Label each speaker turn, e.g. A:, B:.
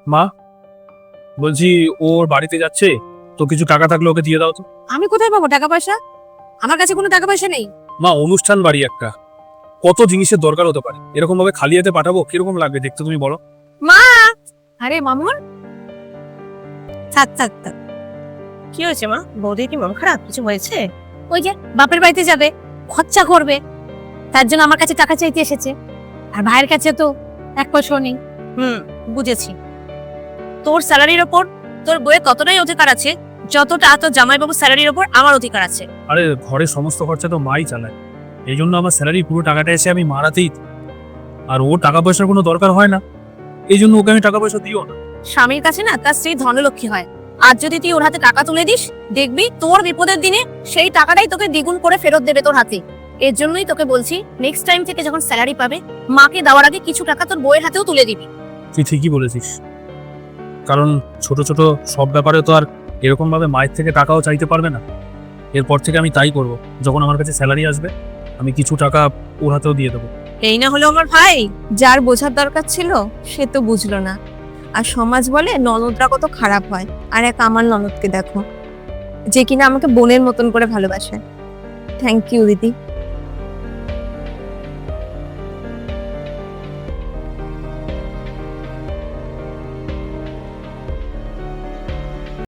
A: মা, বলছি ওর বাড়িতে যাচ্ছে, তো কিছু টাকা থাকলে ওকে দিয়ে দাও তো।
B: আমি কোথায় পাবো টাকা পয়সা? আমার কাছে কোনো টাকা পয়সা নেই।
A: মা, অনুষ্ঠান বাড়ি একটা, কত জিনিসের দরকার হতে পারে, এরকম ভাবে খালি হাতে পাঠাবো কিরকম লাগবে দেখতে তুমি বলো।
B: মা! আরে মামুন, থাক থাক থাক।
C: কি হয়েছে মা? বৌদির কি মন খারাপ? কিছু হয়েছে?
B: ওই যে বাপের বাড়িতে যাবে, খরচা করবে, তার জন্য আমার কাছে টাকা চাইতে এসেছে। আর ভাইয়ের কাছে তো এক পয়সাও নেই।
C: বুঝেছি। তোর স্যালারির ওপর তোর বইয়ের ততটাই অধিকার আছে যতটা তোর জামাইবাবুর স্যালারির ওপর আমার অধিকার আছে।
A: আরে ঘরের সমস্ত খরচা তো মাই চালায়, এই জন্য আমার স্যালারি পুরো টাকাটা এসে আমি মারাতেই দিই। আর ও টাকা পয়সার কোনো দরকার হয় না, এই জন্য ওকে আমি টাকা পয়সা দিও না।
C: স্বামীর কাছে না তার স্ত্রী ধনলক্ষ্মী হয়। আর যদি তুই ওর হাতে টাকা তুলে দিস, দেখবি তোর বিপদের দিনে সেই টাকাটাই তোকে দ্বিগুণ করে ফেরত দেবে তোর হাতে। এর জন্যই তোকে বলছি, নেক্সট টাইম থেকে যখন স্যালারি পাবে, মাকে দেওয়ার আগে কিছু টাকা তোর বইয়ের হাতেও তুলে দিবি।
A: তুই ঠিকই বলেছিস, কারণ ছোট ছোট সব ব্যাপারে তো আর এরকম ভাবে মায়ের থেকে টাকাও চাইতে পারবে না। এরপর থেকে আমি তাই করব, যখন আমার কাছে স্যালারি আসবে আমি কিছু টাকা ওর হাতেও দিয়ে দেবো।
C: এই না হলো আমার ভাই।
B: যার বোঝার দরকার ছিল সে তো বুঝলো না। আর সমাজ বলে ননদরা কত খারাপ হয়। আর এক আমার ননদকে দেখো, যে কিনা আমাকে বোনের মতন করে ভালোবাসে। থ্যাংক ইউ দিদি।